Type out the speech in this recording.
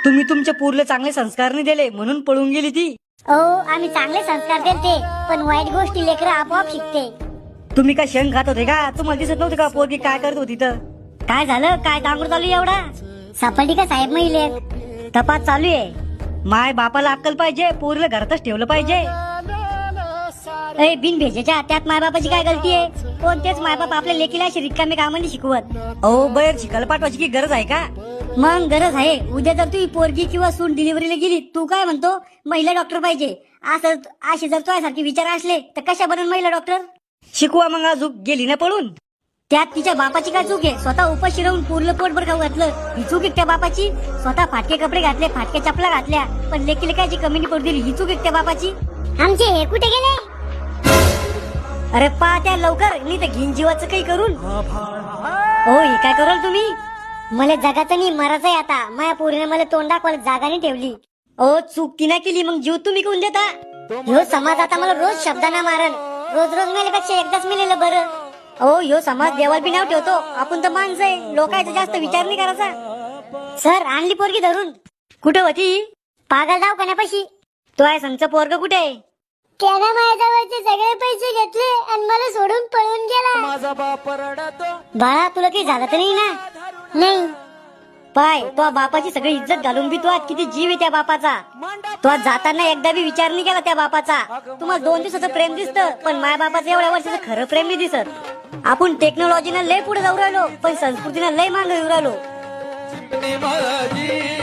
तुम्ही तुमच्या पूरला चांगले संस्कार नाही दिले म्हणून पळून गेली ती. ओ आम्ही चांगले संस्कार देते, पण वाईट गोष्टी लेकर आपोआप शिकते. तुम्ही काय शेंग खात होते का? तुम्हाला दिसत नव्हते का पोरगी काय करत होती तर? काय झालं? काय डांगर चालू आहे एवढा? सापडली का साहेब महिले? तपास चालू आहे. माय बापाला अक्कल पाहिजे, पोरीला घरातच ठेवलं पाहिजे. ए बिन भेजेच्या त्यात मायबापाची काय गलती आहे? कोणतेच मायबाप आपल्या लेकीला अशी रिकामी कामांनी शिकवत. अहो बाहेर शिकायला पाठवायची की गरज आहे का? मग गरज आहे. उद्या जर तू पोरगी किंवा सून डिलिव्हरीला गेली, तू काय म्हणतो महिला डॉक्टर पाहिजे असं असे जर तुझ्यासारखे विचार असले तर कशा बनून महिला डॉक्टर? शिकवा मग. अजून गेली ना पळून. त्यात तिच्या बापाची काय चूक आहे? स्वतः उपाशी राहून पूर्ण पोटभर खाऊ घातलं, ही चूक आहे त्या बापाची? स्वतः फाटके कपडे घातले, फाटके चपला घातल्या, पण लेकीला काय कमी नाही पडू दिली, ही चूक आहे त्या बापाची? आमचे हे कुठे गेले? अरे पा त्या लवकर, नाही तर घेईन जीवाचं काही करून. हो हे काय कराल तुम्ही? मला जगाचं नाही मरायचं आहे आता. माझ्या पोरीने मला तोंड दाखवायला जागा नाही ठेवली. ओ चूक ती नाही केली, मग जीव तुम्ही कोण देता? ह्यो समाज आता मला रोज शब्दांना मारन. रोज रोज मेल्यापेक्षा एकदाच मेलेलं बरं. ओ ह्यो समाज देवाला बी नाव ठेवतो. आपण तर माणसं आहे, लोकांचा जास्त विचार नाही करायचा. सर आणली पोरगी धरून. कुठं होती? पागल दवाखान्यापाशी. तो आहे संगचं पोरग कुठे आहे? त्यानं माझ्याजवळचे सगळे पैसे घेतले आणि मला सोडून पळून गेला. माझा बाप रडतो. बाळा तुला काही झालं तर नाही ना? नाही. पाय तो बापाची सगळी इज्जत घालून बी तो आज किती जीव आहे त्या बापाचा. तो आज जाताना एकदा बी विचार नाही केला त्या बापाचा. तुम्हाला 2 दिवसाचं प्रेम दिसतं, पण माय बापाचं एवढ्या वर्षाचं खरं प्रेम नाही दिसत. आपण टेक्नॉलॉजीनं लय पुढे जाऊ राहिलो, पण संस्कृतीनं लय मागे येऊ राहिलो.